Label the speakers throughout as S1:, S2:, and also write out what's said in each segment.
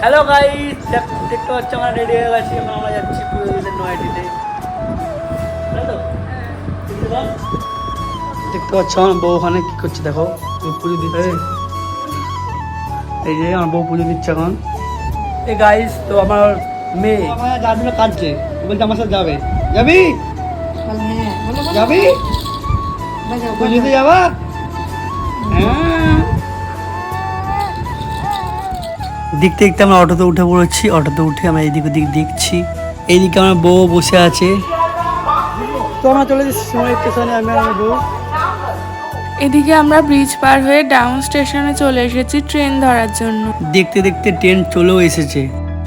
S1: Hello guys, দেখতে পাচ্ছ আমরা রেডি হয়ে গেছি। আমরা যাচ্ছি পুজো দিতে নয়াটিতে। দেখতে পাচ্ছ আমার বউ ওখানে কি করছে, দেখো পুজো দিচ্ছে। এই যে আমার বউ পুজো দিচ্ছে এখন। এই গাইস, তো আমার মেয়ে যার জন্য কাঁদছে, বলছে আমার সাথে যাবে। যাবি যাবি পুজোতে যাবা? হ্যাঁ। দেখতে দেখতে আমরা অটোতে উঠে পড়েছি। অটোতে উঠে আমরা এদিক ওদিক দেখছি। এইদিকে আমার বউ বসে আছে। তো আমরা চলে যাচ্ছি সময় স্টেশনে, আমি আর আমার বউ।
S2: এদিকে আমরা ব্রিজ পার হয়ে ডাউন স্টেশনে চলে এসেছি ট্রেন ধরার জন্য।
S1: দেখতে দেখতে ট্রেন চলেও এসেছে।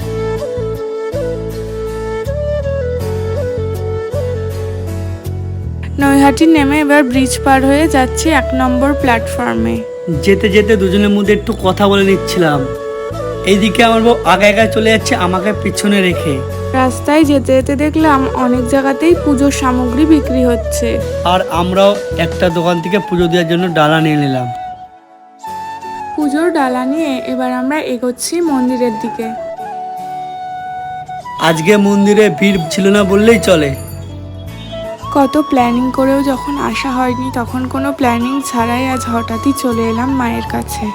S2: নৈহাটি নেমে এবার ব্রিজ পার হয়ে যাচ্ছি 1 নম্বর প্ল্যাটফর্মে।
S1: যেতে যেতে দুজনের মধ্যে একটু কথা বলে নিচ্ছিলাম। এইদিকে আমার বউ আগে আগে চলে যাচ্ছে আমাকে পিছনে রেখে।
S2: রাস্তায় যেতে যেতে দেখলাম অনেক জায়গাতেই পুজোর সামগ্রী বিক্রি হচ্ছে।
S1: আর আমরাও একটা দোকান থেকে পুজো দেওয়ার জন্য ডালা নিয়ে নিলাম।
S2: পুজোর ডালা নিয়ে এবার আমরা এগোচ্ছি মন্দিরের দিকে।
S1: আজকে মন্দিরে ভিড় ছিল না বললেই চলে।
S2: কত প্ল্যানিং করেও যখন আসা হয়নি, তখন কোনো প্ল্যানিং ছাড়াই আজ হঠাৎই চলে এলাম মায়ের কাছে।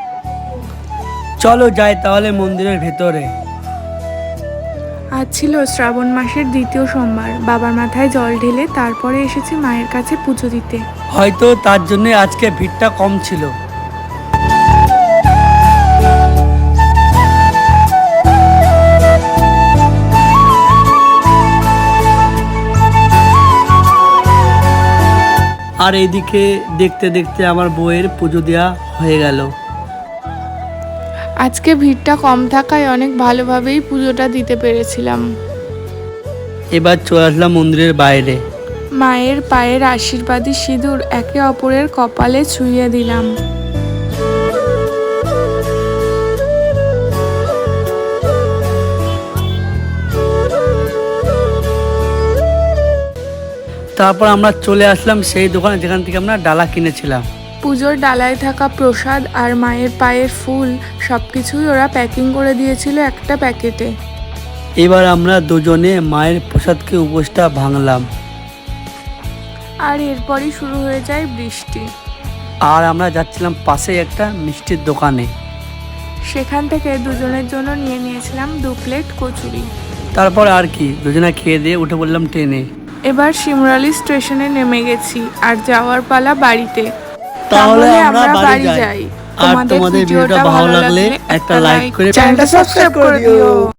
S1: চলো যাই তাহলে মন্দিরের ভেতরে।
S2: আজ ছিল শ্রাবণ মাসের 2য় সোমবার। বাবার মাথায় জল ঢেলে তারপরে এসেছি মায়ের কাছে পুজো দিতে।
S1: হয়তো তার জন্য আজকে ভিড়টা কম ছিল। আর এইদিকে দেখতে দেখতে আমার বউয়ের পুজো দেওয়া হয়ে গেল।
S2: আজকে ভিড়টা কম থাকায় অনেক ভালোভাবেই পুজোটা দিতে পেরেছিলাম।
S1: এবার চলে আসলাম মন্দিরের বাইরে।
S2: মায়ের পায়ের আশীর্বাদী সিঁদুর একে অপরের কপালে ছুঁয়ে দিলাম।
S1: তারপর আমরা চলে আসলাম সেই দোকানে যেখান থেকে আমরা ডালা কিনেছিলাম।
S2: পুজোর ডালায় থাকা প্রসাদ আর মায়ের পায়ের ফুল সবকিছুই ওরা প্যাকিং করে দিয়েছিল একটা প্যাকেটে।
S1: এবার আমরা দুজনে মায়ের প্রসাদকে উপোসটা ভাঙলাম।
S2: আর এরপরই শুরু হয়ে যায় বৃষ্টি।
S1: আর আমরা যাচ্ছিলাম পাশে একটা মিষ্টির দোকানে।
S2: সেখান থেকে দুজনের জন্য নিয়ে নিয়েছিলাম 2 প্লেট কচুরি।
S1: তারপর আর কি, দুজনে খেয়ে দিয়ে উঠে পড়লাম ট্রেনে।
S2: এবার শিমরালি স্টেশনে নেমে গেছি আর যাওয়ার পালা বাড়িতে।
S1: তাহলে আমরা বাড়ি
S2: যাই।
S1: যাই। আর তোমাদের ভিডিওটা ভালো লাগলে একটা লাইক করে
S2: চ্যানেলটা সাবস্ক্রাইব করে দিও।